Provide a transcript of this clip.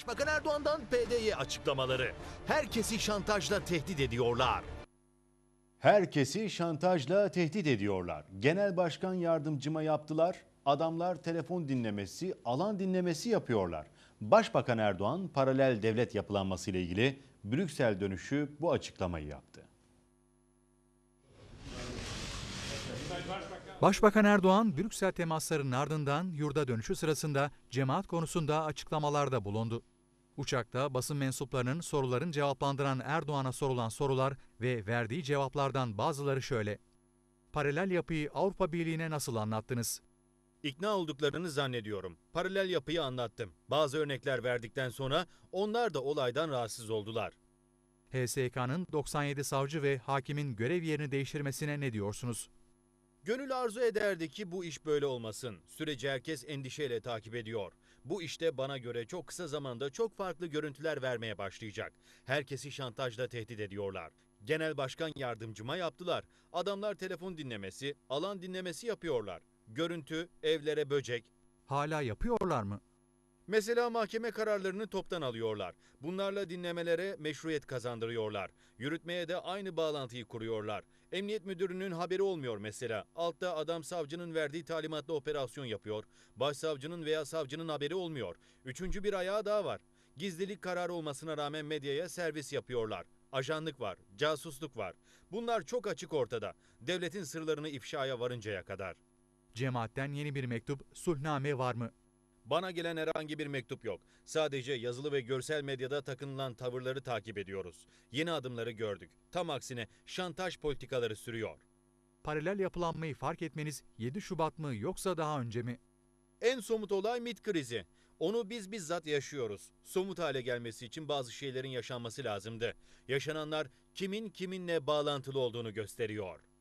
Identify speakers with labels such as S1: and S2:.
S1: Başbakan Erdoğan'dan PD'ye açıklamaları. Herkesi şantajla tehdit ediyorlar.
S2: Herkesi şantajla tehdit ediyorlar. Genel Başkan Yardımcıma yaptılar. Adamlar telefon dinlemesi, alan dinlemesi yapıyorlar. Başbakan Erdoğan paralel devlet yapılanması ile ilgili Brüksel dönüşü bu açıklamayı yaptı.
S3: Başbakan Erdoğan, Brüksel temaslarının ardından yurda dönüşü sırasında cemaat konusunda açıklamalarda bulundu. Uçakta basın mensuplarının sorularını cevaplandıran Erdoğan'a sorulan sorular ve verdiği cevaplardan bazıları şöyle. Paralel yapıyı Avrupa Birliği'ne nasıl anlattınız?
S1: İkna olduklarını zannediyorum. Paralel yapıyı anlattım. Bazı örnekler verdikten sonra onlar da olaydan rahatsız oldular.
S3: HSYK'nın 97 savcı ve hakimin görev yerini değiştirmesine ne diyorsunuz?
S1: Gönül arzu ederdi ki bu iş böyle olmasın. Süreci herkes endişeyle takip ediyor. Bu işte bana göre çok kısa zamanda çok farklı görüntüler vermeye başlayacak. Herkesi şantajla tehdit ediyorlar. Genel Başkan Yardımcıma yaptılar. Adamlar telefon dinlemesi, alan dinlemesi yapıyorlar. Görüntü, evlere böcek.
S3: Hala yapıyorlar mı?
S1: Mesela mahkeme kararlarını toptan alıyorlar. Bunlarla dinlemelere meşruiyet kazandırıyorlar. Yürütmeye de aynı bağlantıyı kuruyorlar. Emniyet müdürünün haberi olmuyor mesela. Altta adam savcının verdiği talimatla operasyon yapıyor. Başsavcının veya savcının haberi olmuyor. Üçüncü bir ayağı daha var. Gizlilik kararı olmasına rağmen medyaya servis yapıyorlar. Ajanlık var, casusluk var. Bunlar çok açık ortada. Devletin sırlarını ifşaya varıncaya kadar.
S3: Cemaatten yeni bir mektup, sulhname var mı?
S1: Bana gelen herhangi bir mektup yok. Sadece yazılı ve görsel medyada takınılan tavırları takip ediyoruz. Yeni adımları gördük. Tam aksine şantaj politikaları sürüyor.
S3: Paralel yapılanmayı fark etmeniz 7 Şubat mı yoksa daha önce mi?
S1: En somut olay MİT krizi. Onu biz bizzat yaşıyoruz. Somut hale gelmesi için bazı şeylerin yaşanması lazımdı. Yaşananlar kimin kiminle bağlantılı olduğunu gösteriyor.